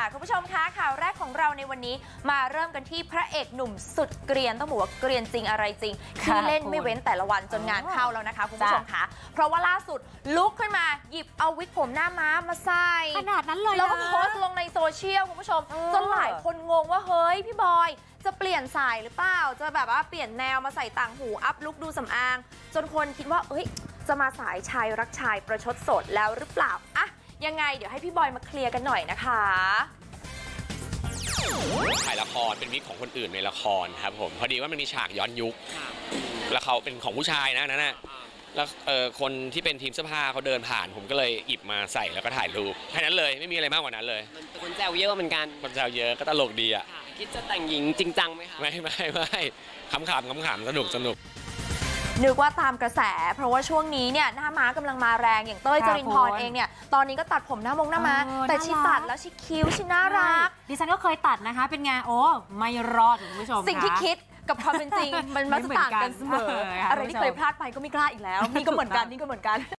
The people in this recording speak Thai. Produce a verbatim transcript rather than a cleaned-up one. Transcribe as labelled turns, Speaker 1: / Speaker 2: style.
Speaker 1: คุณผู้ชมคะข่าวแรกของเราในวันนี้มาเริ่มกันที่พระเอกหนุ่มสุดเกรียนต้องบอกว่าเกรียนจริงอะไรจริงที่เล่นไม่เว้นแต่ละวันจนงานเข้าแล้วนะคะคุณผู้ชมคะเพราะว่าล่าสุดลุกขึ้นมาหยิบเอาวิกผมหน้าม้ามาใส่
Speaker 2: ขนาดนั้นเลย
Speaker 1: แล้วก็โพสต์ลงในโซเชียลคุณผู้ชมจนหลายคนงงว่าเฮ้ยพี่บอยจะเปลี่ยนสายหรือเปล่าจะแบบว่าเปลี่ยนแนวมาใส่ต่างหูอัพลุกดูสำอางจนคนคิดว่าเอ้ยจะมาสายชายรักชายประชดโสดแล้วหรือเปล่าอะยังไงเดี๋ยวให้พี่บอยมาเคลียร์กันหน่อยนะคะ
Speaker 3: ถ่ายละครเป็นวิกของคนอื่นในละครครับผมพอดีว่ามันมีฉากย้อนยุคแล้วเขาเป็นของผู้ชายนะนั่นน่ะแล้วเออคนที่เป็นทีมเสื้อผ้าเขาเดินผ่านผมก็เลยหยิบมาใส่แล้วก็ถ่ายรูปแค่นั้นเลยไม่มีอะไรมากกว่านั้นเลย
Speaker 4: มันคนแซวเยอะเหมือนกัน
Speaker 3: คนแซวเยอะก็ตลกดีอ่ะ
Speaker 4: คิดจะแต่งหญิงจริงจังไหมคะ
Speaker 3: ไม่ไม่ไม่ขำขำขำขำสนุกสนุก
Speaker 1: นึกว่าตามกระแสเพราะว่าช่วงนี้เนี่ยหน้าม้ากำลังมาแรงอย่างเต้ยจรินพรเองเนี่ยตอนนี้ก็ตัดผมหน้ามงหน้าม้าแต่ชีตัดแล้วชีคิ้วชีน่ารัก
Speaker 2: ดิฉันก็เคยตัดนะคะเป็นไงโอ้ไม่รอดคุณผู้ชม
Speaker 1: สิ่งที่คิดกับความเป็นจริงมันมักจะต่างกันเสมออะไรที่เคยพลาดไปก็ไม่กล้าอีกแล้วนี่ก็เหมือนกันนี่ก็เหมือนกัน